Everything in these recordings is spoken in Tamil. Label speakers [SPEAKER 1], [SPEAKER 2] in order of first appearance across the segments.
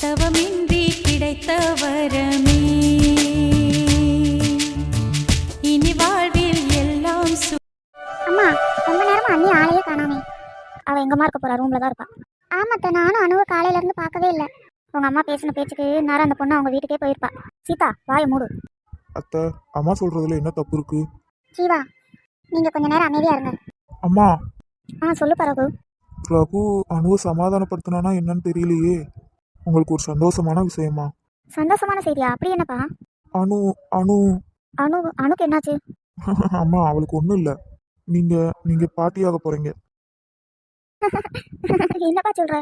[SPEAKER 1] தவமின்றி கிடைத்த வரமே இனி வாழ்வில் எல்லாம்
[SPEAKER 2] அம்மா, ரொம்ப நேரமா அண்ணி ஆளையே காணாமே. அவ எங்கம்மா இருக்க போறா? ரூம்ல தான் இருப்பா. ஆமாத்த, நானும் அணுவை காலையில இருந்து பார்க்கவே இல்லை. உங்க அம்மா பேசின பேச்சுக்கு நேரம் அந்த பொண்ணு அவங்க வீட்டுக்கே போயிருப்பா. சீதா, வாயை மூடு.
[SPEAKER 3] அத்தை, அம்மா சொல்றதுல என்ன தப்பு இருக்கு?
[SPEAKER 2] ஜீவா, நீங்க கொஞ்ச நேரம் அமைதியா இருங்க.
[SPEAKER 3] அம்மா,
[SPEAKER 2] சொல்லு ரகு.
[SPEAKER 3] ரகு அணுவை சமாதானப்படுத்தினானா என்னன்னு தெரியலையே. உங்களுக்கு ஒரு சந்தோஷமான விஷயமா?
[SPEAKER 2] சந்தோஷமான செய்தியா? அப்படி என்னப்பா?
[SPEAKER 3] அணு அணு
[SPEAKER 2] அணுக்கு என்னாச்சு?
[SPEAKER 3] அம்மா, அவளுக்கு ஒன்றும் இல்லை. நீங்க நீங்க பாட்டியாக போறீங்க.
[SPEAKER 2] என்னப்பா சொல்ற?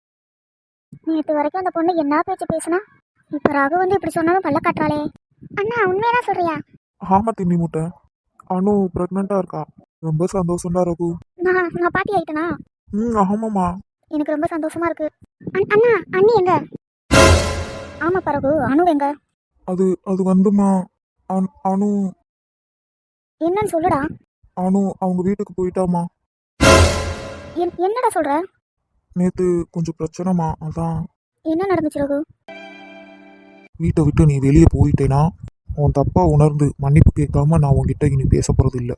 [SPEAKER 2] நேற்று வரைக்கும் அந்த பொண்ணு என்ன பேச்சு பேசுனா, இப்ப ரகு வந்து இப்படி சொன்னாலும் பல்ல காட்டுறாளே. அண்ணா, உண்மையதான் சொல்றியா?
[SPEAKER 3] ஆமா தின்னி முட்டை, அணு பிரெக்னண்டா இருக்கா. ரொம்ப சந்தோஷம்டா ரகு.
[SPEAKER 2] நான் பாட்டி ஆயிட்டனா?
[SPEAKER 3] ஆமாம்மா.
[SPEAKER 2] எனக்கு ரொம்ப சந்தோஷமா இருக்கு. அண்ணா, அண்ணி எங்க? ஆமா பரகு, அணு எங்க?
[SPEAKER 3] அது வந்துமா, அணு
[SPEAKER 2] என்னன்னு சொல்லுடா.
[SPEAKER 3] அணு அவங்க வீட்டுக்கு போயிட்டாமா.
[SPEAKER 2] என்னடா சொல்ற?
[SPEAKER 3] நேத்து கொஞ்சம் பிரச்சனைமா, அதான்.
[SPEAKER 2] என்ன நடந்துச்சு ரகு?
[SPEAKER 3] வீட்டை விட்டு நீ வெளியே போயிட்டேனா உன் தப்பா உணர்ந்து மன்னிப்பு கேட்காம நான் உன்கிட்ட இனி பேச போறது இல்லை.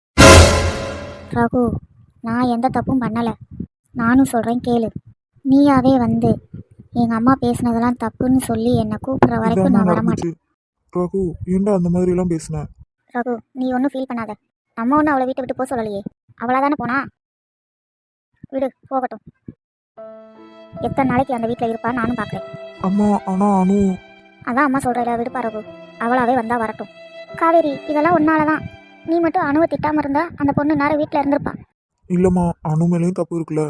[SPEAKER 2] ரகு, நான் எந்த தப்பும் பண்ணல. நானும் சொல்றேன் கேளு. நீயாவே வந்து எங்க அம்மா பேசுனதெல்லாம் தப்புன்னு சொல்லி என்னை கூப்பிடுற வரைக்கும் நான் வரமாட்டேன்.
[SPEAKER 3] ரகு, ஏண்டா அந்த மாதிரி எல்லாம் பேசுன?
[SPEAKER 2] ரகு, நீ ஒன்றும் ஃபீல் பண்ணாத. அம்மா ஒன்றும் அவளை வீட்டை விட்டு போக சொல்லலையே. அவளா தானே போனா. விடு, போகட்டும். எத்தனை நாளைக்கு அந்த வீட்டில் இருப்பா நானும் பார்க்குறேன்.
[SPEAKER 3] அம்மா, ஆனா அனு.
[SPEAKER 2] அதான் அம்மா சொல்கிறேன், விடுப்பா ரகு. அவளாவே வந்தா வரட்டும். காவேரி, இதெல்லாம் ஒன்னாலதான். நீ மட்டும் அணுவை திட்டாம இருந்தா அந்த பொண்ணு நேரம் வீட்டில் இருந்திருப்பா.
[SPEAKER 3] இல்லம்மா, அணு மேலேயும் தப்பு இருக்குல்ல.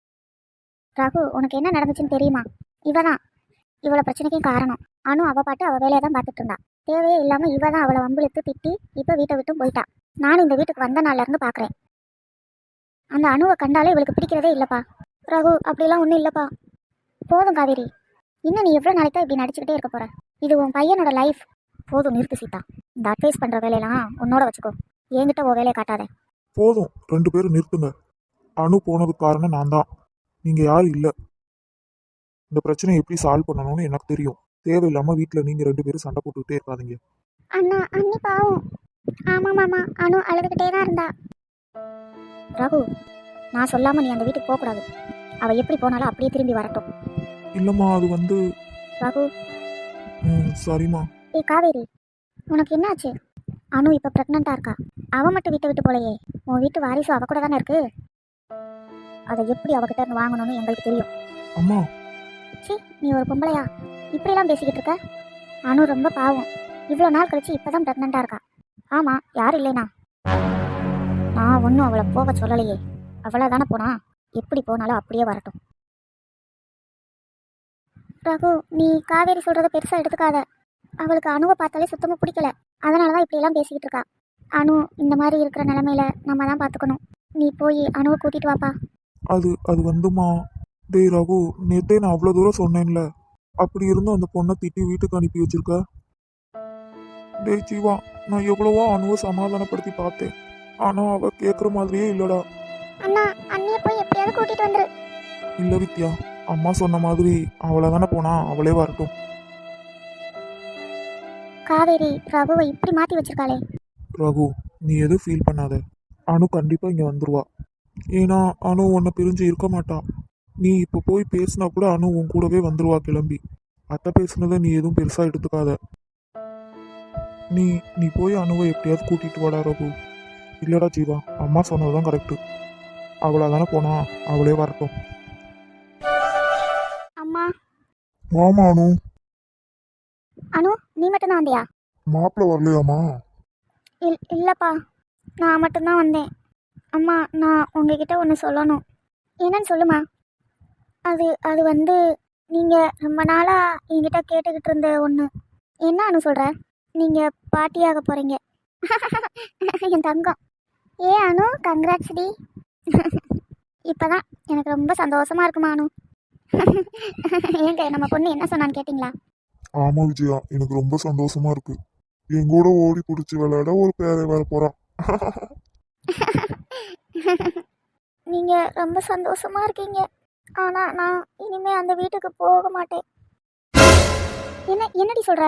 [SPEAKER 2] ரகு, உனக்கு என்ன நடந்துச்சுன்னு தெரியுமா? இவதான் இவ்வளோ பிரச்சனைக்கும் காரணம். அணு அவ பாட்டு அவள் வேலையை தான் பார்த்துட்டு இருந்தா. தேவையே இல்லாமல் இவ தான் அவளை வம்பிழுத்து திட்டி இப்போ வீட்டை விட்டும் போயிட்டா. நானும் இந்த வீட்டுக்கு வந்த நாள்ல இருந்து பார்க்குறேன். அந்த அணுவை கண்டாலே இவளுக்கு பிடிக்கிறதே இல்லைப்பா. ரகு, அப்படிலாம் ஒன்றும் இல்லைப்பா. போதும் காவேரி, இன்னும் நீ எவ்வளோ நாளைக்கு தான் இப்படி நடிச்சுக்கிட்டே இருக்க போற? இது உன் பையனோட லைஃப். போதும், நிறுத்து சீதா. இந்த அட்வைஸ் பண்ணுற வேலையெல்லாம் உன்னோட வச்சுக்கோ. என்கிட்ட உன் வேலையை காட்டாத.
[SPEAKER 3] போதும், 2 பேரும் நிறுத்துங்க. அணு போனதுக்கு காரணம் நான் தான், நீங்க யாரும் இல்லை. இந்த பிரச்சனையை எப்படி சால்வ் பண்ணணும்னு எனக்கு தெரியும். தேவையில்லாம வீட்டில் நீங்க 2 பேரும் சண்டை போட்டுக்கிட்டே இருக்காதீங்க.
[SPEAKER 2] அண்ணா, அண்ணி பாவம். ஆமா மாமா, அணு அழுதுகிட்டே தான் இருந்தா. ரகு, நான் சொல்லாம நீ அந்த வீட்டுக்கு போகக்கூடாது. அவ எப்படி போனாலும் அப்படியே திரும்பி வரட்டும்.
[SPEAKER 3] இல்லம்மா, அது வந்து.
[SPEAKER 2] ரகு.
[SPEAKER 3] சரிம்மா.
[SPEAKER 2] காவேரி, உனக்கு என்னாச்சு? அணு இப்ப பிரெக்னண்டா இருக்கா. அவ மட்டும் வீட்டை விட்டு போலையே. உன் வீட்டு வாரிசு அவ கூட தானே இருக்கு. அதை எப்படி அவகிட்ட இருந்து வாங்கணும்னு எங்களுக்கு தெரியும்.
[SPEAKER 3] அம்மா,
[SPEAKER 2] சி, நீ ஒரு பொம்பளையா இப்படிலாம் பேசிக்கிட்டு இருக்க? அணு ரொம்ப பாவம். இவ்வளோ நாள் கழிச்சு இப்பதான் பிரெக்னண்டா இருக்கா. ஆமா, யார் இல்லைனா? நான் ஒன்றும் அவளை போக சொல்லலையே. அவளை தானே போனா. எப்படி போனாலும் அப்படியே வரட்டும். ரகு, நீ காவேரி சொல்றத பெருசா எடுத்துக்காத. அவளுக்கு அணுவை பார்த்தாலே சுத்தமா பிடிக்கல. அதனாலதான் இப்படி எல்லாம் பேசிக்கிட்டு இருக்கா. அணு இந்த மாதிரி இருக்கிற நிலைமையில நம்ம தான் பார்த்துக்கணும். நீ போய் அணுவை கூட்டிட்டு வாப்பா.
[SPEAKER 3] அது வந்துமா. டேய் ரகு, நேத்தே நான் அவ்வளோ தூரம் சொன்னேன்ல. அப்படி இருந்தும் அந்த பொண்ணை திட்டி வீட்டுக்கு அனுப்பி வச்சிருக்க. டேய் ஜீவா, நான் எவ்வளவோ அணுவை சமாதானப்படுத்தி பார்த்தேன். ஆனா அவ கேட்குற மாதிரியே இல்லடா.
[SPEAKER 2] அண்ணா, அண்ணியை போய் எப்படியாவது கூட்டிட்டு வந்துரு.
[SPEAKER 3] இல்ல வித்யா, அம்மா சொன்ன மாதிரி அவளை தானே போனா, அவளே வரட்டும்.
[SPEAKER 2] காவேரி ரகுவை இப்படி மாத்தி வச்சிருக்காளே.
[SPEAKER 3] ரகு, நீ எதுவும் ஃபீல் பண்ணாத. அணு கண்டிப்பா இங்க வந்துருவா. ஏன்னா அணு உன்னை பிரிஞ்சு இருக்க மாட்டா. நீ இப்போ போய் பேசினா கூட அணு உன் கூடவே வந்துருவா கிளம்பி. அத்தை பேசுனதை நீ எதுவும் பெருசா எடுத்துக்காத. நீ நீ போய் அணுவை எப்படியாவது கூட்டிட்டு வாடா ரகு. இல்லடா ஜீவா, அம்மா சொன்னதுதான் கரெக்டு. அவளா தானே போனா, அவளே வரட்டும்.
[SPEAKER 2] அம்மா.
[SPEAKER 3] மாமா அணு.
[SPEAKER 2] அணு, நீ மட்டும் தான் வந்தியா?
[SPEAKER 3] மாப்பிள்ள வரலையாமா?
[SPEAKER 2] இல்லப்பா, நான் மட்டும்தான் வந்தேன். அம்மா, நான் உங்ககிட்ட ஒன்று சொல்லணும். என்னன்னு சொல்லுமா. அது வந்து நீங்கள் ரொம்ப நாளாக என்கிட்ட கேட்டுக்கிட்டு இருந்த ஒன்று. என்ன அனு சொல்கிற? நீங்கள் பாட்டியாக போகிறீங்க. என் தங்கம். ஏ அனு, கங்க்ராட்ஸ் டி. இப்போதான் எனக்கு ரொம்ப சந்தோஷமாக இருக்குமா அனு. ஏங்க, நம்ம பொண்ணு என்ன சொன்னான்னு கேட்டிங்களா?
[SPEAKER 3] ஆமா விஜயா, எனக்கு ரொம்ப சந்தோஷமா இருக்கு. என் கூட ஓடி பிடிச்சி விளையாட ஒரு பேரை வர போறான்.
[SPEAKER 2] நீங்கள் ரொம்ப சந்தோஷமாக இருக்கீங்க. ஆனால் நான் இனிமேல் அந்த வீட்டுக்கு போக மாட்டேன். என்னடி சொல்ற?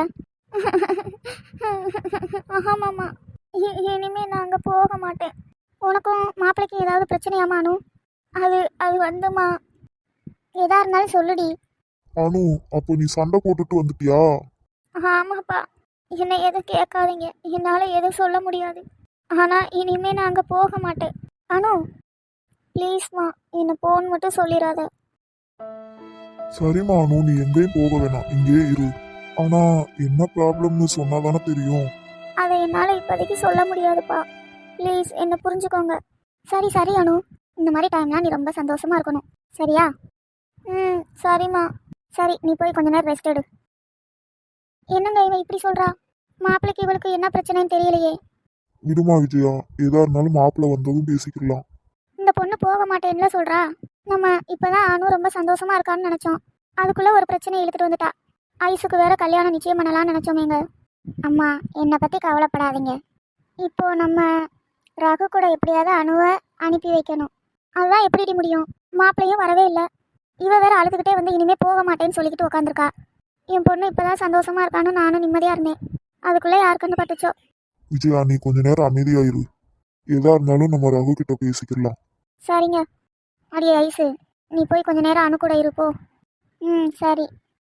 [SPEAKER 2] ஆமாம்மா, இனிமே நான் அங்கே போக மாட்டேன். உனக்கும் மாப்பிள்ளைக்கும் ஏதாவது பிரச்சனையாமானு? அது அது வந்துமா, எதா இருந்தாலும் சொல்லுடி.
[SPEAKER 3] அனு, அப்போ நீ சண்டை போட்டுட்டு வந்துட்டியா?
[SPEAKER 2] ஆமாப்பா, என்னை எதுவும் கேட்காதீங்க, என்னால் எதுவும் சொல்ல முடியாது. ஆனால் இனிமே நான் அங்கே போக மாட்டேன். அனு ப்ளீஸ்மா, என்னை போன்னு மட்டும் சொல்லிடாத.
[SPEAKER 3] சரிம்மா அனு, நீ எங்கேயும் போக வேணாம், இங்கேயே இரு. ஆனா என்ன ப்ராப்ளம்னு சொன்னாதானே தெரியும்.
[SPEAKER 2] அதை என்னால் இப்போதைக்கு சொல்ல முடியாதுப்பா, ப்ளீஸ் என்னை புரிஞ்சுக்கோங்க. சரி சரி அனு, இந்த மாதிரி டைம்லாம் நீ ரொம்ப சந்தோஷமா இருக்கணும், சரியா? ம் சரிம்மா. சரி, நீ போய் கொஞ்ச நேரம் ரெஸ்ட் எடு. என்னங்க இவன் இப்படி சொல்கிறா? மாப்பிள்ளைக்கு இவளுக்கு என்ன பிரச்சனைன்னு தெரியலையே.
[SPEAKER 3] விடுமா விஜயா, எதா இருந்தாலும் மாப்பிள்ளை வந்ததும் பேசிக்கலாம்.
[SPEAKER 2] இந்த பொண்ணு போக மாட்டேன்ல சொல்கிறா. நம்ம இப்போதான் அனு ரொம்ப சந்தோஷமா இருக்கான்னு நினச்சோம், அதுக்குள்ளே ஒரு பிரச்சனையை இழுத்துட்டு வந்துட்டா. ஐஸுக்கு வேற கல்யாணம் நிச்சயம் பண்ணலாம்னு நினச்சோமேங்க. அம்மா, என்னை பற்றி கவலைப்படாதீங்க. இப்போ நம்ம ரகு கூட எப்படியாவது அணுவை அனுப்பி வைக்கணும். அதுதான் எப்படி முடியும்? மாப்பிள்ளையும் வரவே இல்லை. இவ வேற அழுதுகிட்டே வந்து இனிமே போக மாட்டேன்னு சொல்லிக்கிட்டு உட்காந்துருக்கா. என் பொண்ணு இப்போதான் சந்தோஷமா இருக்கான்னு நானும் நிம்மதியாக இருந்தேன். அதுக்குள்ளே யாருக்குன்னு பட்டுச்சோ.
[SPEAKER 3] விஜயா, நீ கொஞ்ச நேரம் அமைதியாயிரு. எதா இருந்தாலும் நம்ம ரகு கிட்ட பேசிக்கலாம்.
[SPEAKER 2] சரிங்க. அடியே ஐஸு, நீ போய் கொஞ்ச நேரம் அணு கூட இருப்போ. ம் சரி.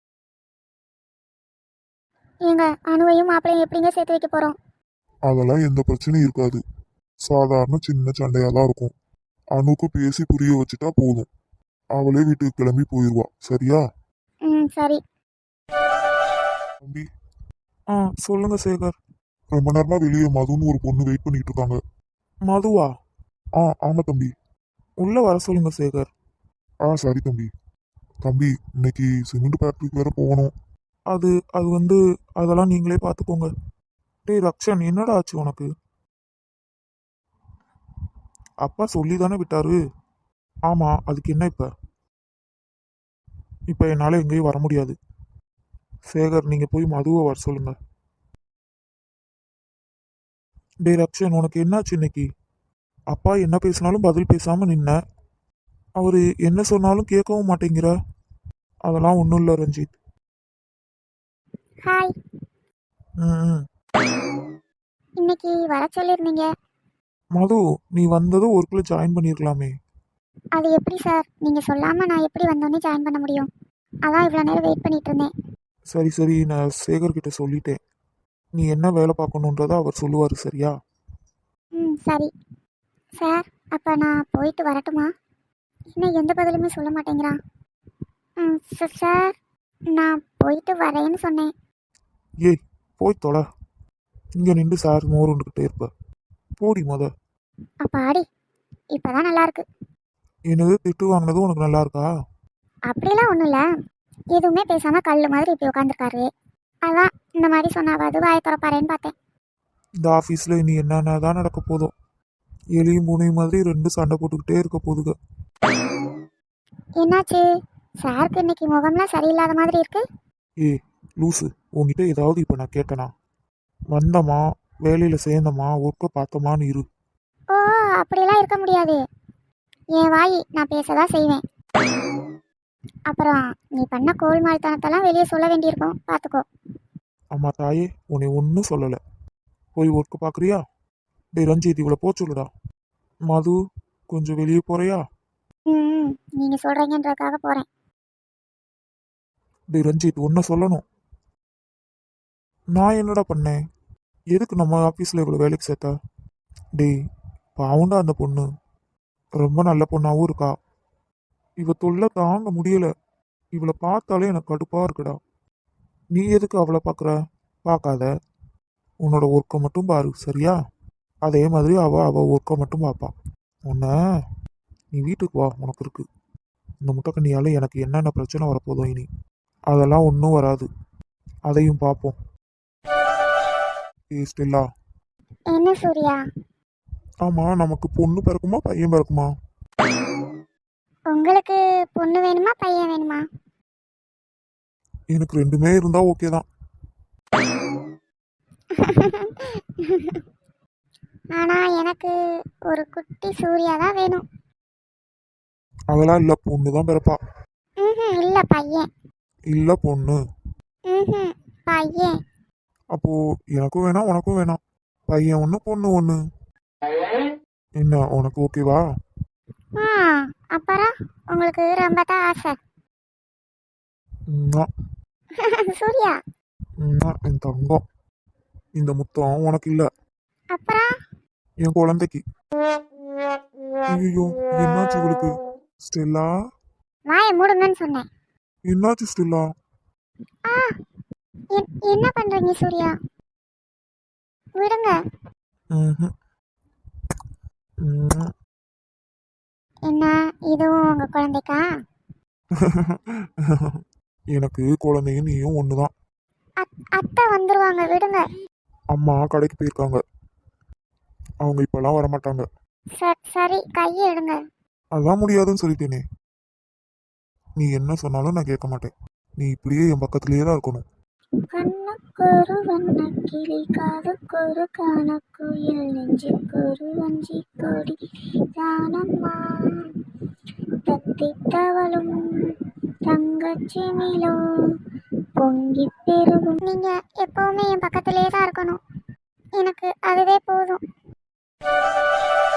[SPEAKER 2] ஏங்க, அணுவையும் மாப்பிள்ளையும் எப்படிங்க சேர்த்து வைக்க போகிறோம்?
[SPEAKER 3] அதெல்லாம் எந்த பிரச்சனையும் இருக்காது. சாதாரண சின்ன சண்டையா தான் இருக்கும். அணுக்கு பேசி புரிய வச்சுட்டா போதும். அவளே வீட்டுக்கு கிளம்பி போயிடுவா, சரியா?
[SPEAKER 2] ம் சரி.
[SPEAKER 3] தம்பி. சொல்லுங்க சேகர். ரொம்ப நேரமா வெளியே மதுன்னு ஒரு பொண்ணு வெயிட் பண்ணிட்டு இருக்காங்க. மதுவா? ஆமா தம்பி. உள்ள வர சொல்லுங்க சேகர். சரி தம்பி. தம்பி, இன்னைக்கு சிமெண்ட் ஃபேக்டரிக்கு வேற போகணும். அது அது வந்து அதெல்லாம் நீங்களே பார்த்துக்கோங்க. டேய் ரக்ஷன், என்னடா ஆச்சு உனக்கு? அப்பா சொல்லி தானே விட்டாரு. ஆமா, அதுக்கு என்ன இப்ப என்னால எங்கேயும் வர முடியாது. சேகர், நீங்க போய் மதுவை வர சொல்லுங்க. டேய் ரக்ஷன், உனக்கு என்னாச்சு இன்னைக்கு? அப்பா என்ன பேசினாலும் பதில் பேசாம நின்ன. அவரு என்ன சொன்னாலும் கேட்கவும் மாட்டேங்கிற. அதெல்லாம் ஒன்றும் இல்லை ரஞ்சித்.
[SPEAKER 2] ஹாய்.
[SPEAKER 3] ம்.
[SPEAKER 2] இன்னைக்கு வர சொல்லியிருந்தீங்க.
[SPEAKER 3] மது, நீ வந்ததும் ஒர்க்ல ஜாயின் பண்ணிருக்கலாமே.
[SPEAKER 2] அது எப்படி சார், நீங்கள் சொல்லாமல் நான் எப்படி வந்தோடனே ஜாயின் பண்ண முடியும்? அதான் இவ்வளோ நேரம் வெயிட் பண்ணிட்டு இருந்தேன்.
[SPEAKER 3] சரி சரி, நான் சேகர் கிட்ட சொல்லிட்டேன். நீ என்ன வேலை பார்க்கணுன்றதை அவர் சொல்லுவார், சரியா?
[SPEAKER 2] ம் சரி சார். அப்போ நான் போயிட்டு வரட்டுமா? இன்னும் எந்த பதிலுமே சொல்ல மாட்டேங்கிறான். ம் சார், நான் போயிட்டு வரேன்னு சொன்னேன்.
[SPEAKER 3] ஏய், போய் தொலை. இங்கே நின்று சார் மோருண்டுக்கிட்டே இருப்ப. போடி
[SPEAKER 2] அப்பா ஆடி, இப்போதான் நல்லா இருக்கு.
[SPEAKER 3] என்னது, திட்டு வாங்கினது உனக்கு நல்லா இருக்கா?
[SPEAKER 2] அப்படிலாம் ஒன்றும் இல்லை, எதுவுமே பேசாமல் கல் மாதிரி இப்படி உட்காந்துருக்காரு. அதான் இந்த மாதிரி சொன்னாவது வாயை திறப்பாரேன்னு பார்த்தேன்.
[SPEAKER 3] இந்த ஆஃபீஸில் இனி என்னென்ன தான் நடக்க போதும். எலியும் பூனையும் மாதிரி ரெண்டு சண்டை போட்டுக்கிட்டே இருக்க போதுங்க.
[SPEAKER 2] என்னாச்சு சாருக்கு, இன்னைக்கு முகம்லாம் சரியில்லாத மாதிரி இருக்கு.
[SPEAKER 3] ஏய் லூசு, உங்ககிட்ட ஏதாவது இப்போ நான் கேட்டேனா? வந்தமா, வேலையில் சேர்ந்தமா, ஒர்க்கை பார்த்தோமான்னு இரு.
[SPEAKER 2] ஓ, அப்படிலாம் இருக்க முடியாது. என் வாய், நான் பேசதான் செய்வேன். அப்புறம் நீ பண்ண கோல்மால்தனத்தெல்லாம் வெளியே சொல்ல வேண்டியிருக்கும், பார்த்துக்கோ.
[SPEAKER 3] அம்மா தாயே, உன்னை ஒன்றும் சொல்லலை. போய் ஒர்க்கு பார்க்குறியா? டேய் ரஞ்சித், இவ்வளோ போ சொல்லுடா. மது, கொஞ்சம் வெளியே போறியா?
[SPEAKER 2] ம் நீங்கள் சொல்கிறீங்கன்றதுக்காக போகிறேன்.
[SPEAKER 3] டேய் ரஞ்சித், ஒன்றை சொல்லணும். நான் என்னடா பண்ணேன்? எதுக்கு நம்ம ஆஃபீஸில் இவ்வளோ வேலைக்கு சேர்த்தா? டேய், பாவுண்டா அந்த பொண்ணு. ரொம்ப நல்ல பொண்ணாகவும் இருக்கா. இவ தொல்லை தாங்க முடியல. இவளை பார்த்தாலே எனக்கு கடுப்பாக இருக்குடா. நீ எதுக்கு அவளை பார்க்குற? பார்க்காத. உன்னோட ஒர்க்கை மட்டும் பாரு, சரியா? அதே மாதிரி அவ ஒர்க்கை மட்டும் பார்ப்பா. உன்னை, நீ வீட்டுக்கு வா, உனக்கு இருக்கு. இந்த முட்டைக்கண்ணியால் எனக்கு என்னென்ன பிரச்சனை வரப்போதும் இனி. அதெல்லாம் ஒன்றும் வராது. அதையும் பார்ப்போம். ஏய் ஸ்டெல்லா.
[SPEAKER 2] என்ன சூர்யா?
[SPEAKER 3] ஆமாம், நமக்கு பொண்ணு பிறக்குமா பையன் பிறக்குமா?
[SPEAKER 2] உங்களுக்கு பொண்ணு வேணுமா பையன் வேணுமா?
[SPEAKER 3] எனக்கு ரெண்டுமே இருந்தால் ஓகே தான்.
[SPEAKER 2] ஆனால் எனக்கு ஒரு குட்டி சூர்யா தான் வேணும்.
[SPEAKER 3] அதெல்லாம் இல்லை, பொண்ணு தான் பிறப்பா.
[SPEAKER 2] ம் இல்லை பையன்.
[SPEAKER 3] இல்லை பொண்ணு.
[SPEAKER 2] ம் பையன்.
[SPEAKER 3] அப்போ எனக்கும் வேணாம் உனக்கும் வேணாம். பையன் ஒன்று பொண்ணு ஒன்று. என்ன உனக்கு ஓகேவா?
[SPEAKER 2] ஆ அப்புறம் உங்களுக்கு ரொம்ப தான் ஆசை.
[SPEAKER 3] ம்மா,
[SPEAKER 2] சூர்யா.
[SPEAKER 3] ம்மா, என் தங்கம். இந்த முத்தம் உனக்கு இல்லை,
[SPEAKER 2] அப்புறம்
[SPEAKER 3] என் குழந்தைக்கு. ஐயோ, என்னாச்சு இவளுக்கு? ஸ்டெல்லா,
[SPEAKER 2] வாயை மூடுங்கன்னு சொன்னேன்.
[SPEAKER 3] என்னாச்சு ஸ்டெல்லா?
[SPEAKER 2] ஆ என்ன பண்றீங்க சூர்யா? விடுங்க.
[SPEAKER 3] ம்ஹும். ம்ம்.
[SPEAKER 2] என்ன இதுவும் உங்க குழந்தைக்கா?
[SPEAKER 3] எனக்கு குழந்தையும் நீயும் ஒண்ணுதான்.
[SPEAKER 2] அத்தை வந்துருவாங்க, விடுங்க.
[SPEAKER 3] அம்மா கடைக்கு போயிருக்காங்க, அவங்க இப்பெல்லாம் வரமாட்டாங்க.
[SPEAKER 2] சரி கையை எடுங்க.
[SPEAKER 3] அதான் முடியாதுன்னு சொல்லிட்டேனே. நீ என்ன சொன்னாலும் நான் கேட்க மாட்டேன். நீ இப்படியே என் பக்கத்திலேயே தான் இருக்கணும்.
[SPEAKER 2] கண்ணுக்கொரு வண்ண கிளி, காதுக்கொரு கானக்குயில், நெஞ்சுக்கொரு வஞ்சி கொடி தானம்மா, தத்தி தவளும் தங்கச்சிமிலோ பொங்கி பெருகும். நீங்க எப்பவுமே என் பக்கத்திலே தான் இருக்கணும், எனக்கு அதுவே போதும்.